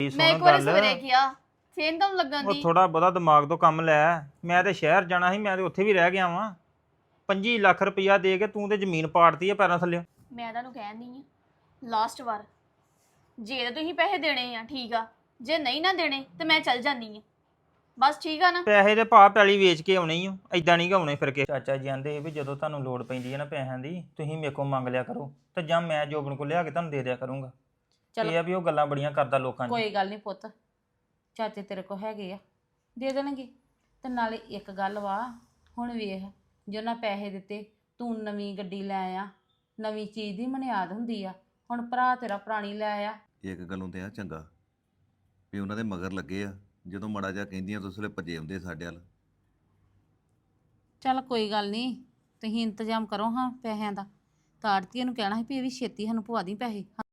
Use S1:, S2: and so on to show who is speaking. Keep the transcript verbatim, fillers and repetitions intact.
S1: ਮੈਂ ਇੱਕ ਵਾਰੀ ਸਵੇਰੇ ਕਿਹਾ ਫੇਰ ਤੁਹਾਨੂੰ ਲੱਗਣ
S2: ਉਹ
S1: ਦੀ
S2: ਥੋੜਾ ਬਹੁਤਾ ਦਿਮਾਗ ਤੋਂ ਕੰਮ ਲੈ। ਮੈਂ ਤੇ ਸ਼ਹਿਰ ਜਾਣਾ ਸੀ, ਮੈਂ ਤੇ ਉੱਥੇ ਵੀ ਰਹਿ ਗਿਆ ਵਾਂ। ਪੱਚੀ ਲੱਖ ਰੁਪਈਆ ਦੇ ਕੇ ਤੂੰ ਤੇ ਜ਼ਮੀਨ ਪਾੜਤੀ ਆ ਪੈਰਾਂ ਥੱਲੇ।
S1: ਮੈਂ ਤੁਹਾਨੂੰ ਕਹਿੰਦੀ ਆ ਲਾਸਟ ਵਾਰ ਜੇ ਤਾਂ ਤੁਸੀਂ ਪੈਸੇ ਦੇਣੇ ਆ ਠੀਕ ਆ, ਜੇ ਨਹੀਂ ਨਾ ਦੇਣੇ ਤੇ ਮੈਂ ਚੱਲ ਜਾਂਦੀ ਆ ਬਸ। ਠੀਕ ਆ ਨਾ?
S2: ਪੈਸੇ ਦੇ ਭਾਅ ਪੈਲੀ ਵੇਚ ਕੇ ਆਉਣੇ ਹੀ ਓ, ਏਦਾਂ ਨਹੀਂ ਗਾਉਣੇ ਫਿਰ ਕੇ। ਚਾਚਾ ਜੀ ਆਂਦੇ ਵੀ ਜਦੋਂ ਤੁਹਾਨੂੰ ਲੋੜ ਪੈਂਦੀ ਹੈ ਨਾ ਪੈਸਿਆਂ ਦੀ, ਤੁਸੀਂ ਮੇਰੇ ਕੋਲ ਮੰਗ ਲਿਆ ਕਰੋ ਤੇ ਜਾਂ ਮੈਂ ਜੋਬਨ ਕੋਲ ਲਿਆ ਕੇ ਤੁਹਾਨੂੰ ਦੇ ਦਿਆ ਕਰੂੰਗਾ। ਇਹ ਆ ਵੀ ਉਹ ਗੱਲਾਂ ਬੜੀਆਂ ਕਰਦਾ ਲੋਕਾਂ 'ਚ।
S3: ਕੋਈ ਗੱਲ ਨਹੀਂ ਪੁੱਤ, ਚਾਚੇ ਤੇਰੇ ਕੋ ਹੈਗੇ ਆ, ਦੇ ਦੇਣਗੇ। ਤੇ ਨਾਲੇ ਇੱਕ ਗੱਲ ਵਾ, ਹੁਣ ਵੇਖ ਜੇ ਉਹਨਾਂ ਪੈਸੇ ਦਿੱਤੇ, ਤੂੰ ਨਵੀਂ ਗੱਡੀ ਲੈ ਆ, ਨਵੀਂ ਚੀਜ਼ ਦੀ ਮਨਿਆਦ ਹੁੰਦੀ ਆ। ਹੁਣ ਭਰਾ ਤੇਰਾ ਪੁਰਾਣੀ ਲੈ ਆ।
S4: ਇੱਕ ਗੱਲੋਂ ਤੇ ਆ ਚੰਗਾ ਵੀ ਉਹਨਾਂ ਦੇ ਮਗਰ ਲੱਗੇ ਆ, ਜਦੋਂ ਮਾੜਾ ਜਿਹਾ ਕਹਿੰਦੀਆਂ ਤਾਂ ਉਸ ਵੇਲੇ ਭੱਜੇ ਆਉਂਦੇ ਸਾਡੇ ਵੱਲ।
S3: ਚੱਲ ਕੋਈ ਗੱਲ ਨਹੀਂ, ਤੁਸੀਂ ਇੰਤਜ਼ਾਮ ਕਰੋ ਹਾਂ ਪੈਸਿਆਂ ਦਾ। ਤਾਂ ਆੜਤੀਏ ਨੂੰ ਕਹਿਣਾ ਸੀ ਵੀ ਇਹ ਵੀ ਛੇਤੀ ਸਾਨੂੰ ਪਵਾ ਦੀ ਪੈਸੇ।